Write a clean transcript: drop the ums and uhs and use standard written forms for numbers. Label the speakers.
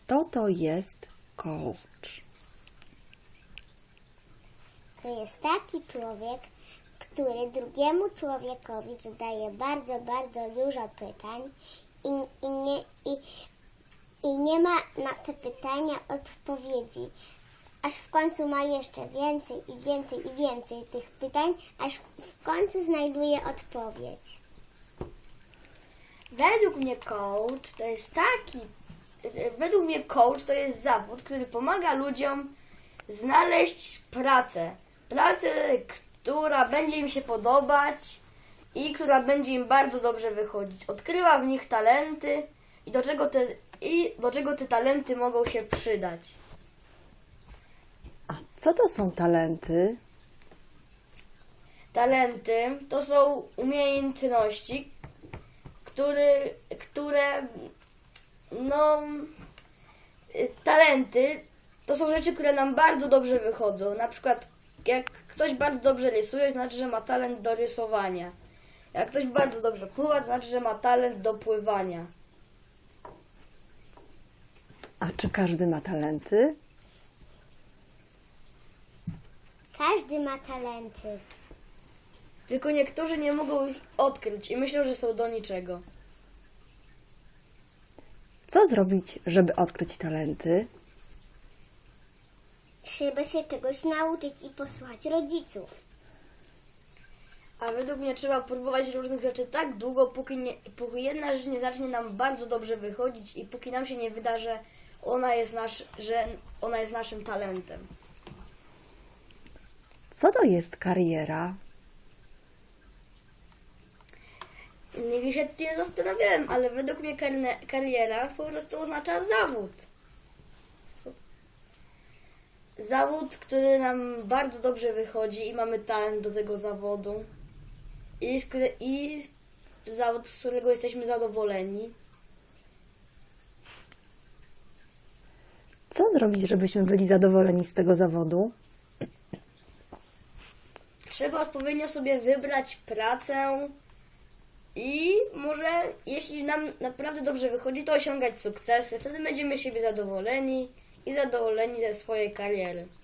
Speaker 1: Kto to jest coach?
Speaker 2: To jest taki człowiek, który drugiemu człowiekowi zadaje bardzo, bardzo dużo pytań i nie ma na te pytania odpowiedzi. Aż w końcu ma jeszcze więcej i więcej i więcej tych pytań, aż w końcu znajduje odpowiedź.
Speaker 3: Według mnie coach to jest zawód, który pomaga ludziom znaleźć pracę. Pracę, która będzie im się podobać i która będzie im bardzo dobrze wychodzić. Odkrywa w nich talenty i do czego te talenty mogą się przydać.
Speaker 1: A co to są talenty?
Speaker 3: Talenty to są umiejętności, talenty to są rzeczy, które nam bardzo dobrze wychodzą. Na przykład jak ktoś bardzo dobrze rysuje, to znaczy, że ma talent do rysowania. Jak ktoś bardzo dobrze pływa, to znaczy, że ma talent do pływania.
Speaker 1: A czy każdy ma talenty?
Speaker 2: Każdy ma talenty.
Speaker 3: Tylko niektórzy nie mogą ich odkryć i myślą, że są do niczego.
Speaker 1: Co zrobić, żeby odkryć talenty?
Speaker 2: Trzeba się czegoś nauczyć i posłuchać rodziców.
Speaker 3: A według mnie trzeba próbować różnych rzeczy tak długo, póki jedna rzecz nie zacznie nam bardzo dobrze wychodzić i póki nam się nie wyda, że ona jest naszym talentem.
Speaker 1: Co to jest kariera?
Speaker 3: Nigdy się tym nie zastanawiałem, ale według mnie kariera po prostu oznacza zawód. Zawód, który nam bardzo dobrze wychodzi i mamy talent do tego zawodu. I zawód, z którego jesteśmy zadowoleni.
Speaker 1: Co zrobić, żebyśmy byli zadowoleni z tego zawodu?
Speaker 3: Trzeba odpowiednio sobie wybrać pracę i może, jeśli nam naprawdę dobrze wychodzi, to osiągać sukcesy. Wtedy będziemy siebie zadowoleni i zadowoleni ze swojej kariery.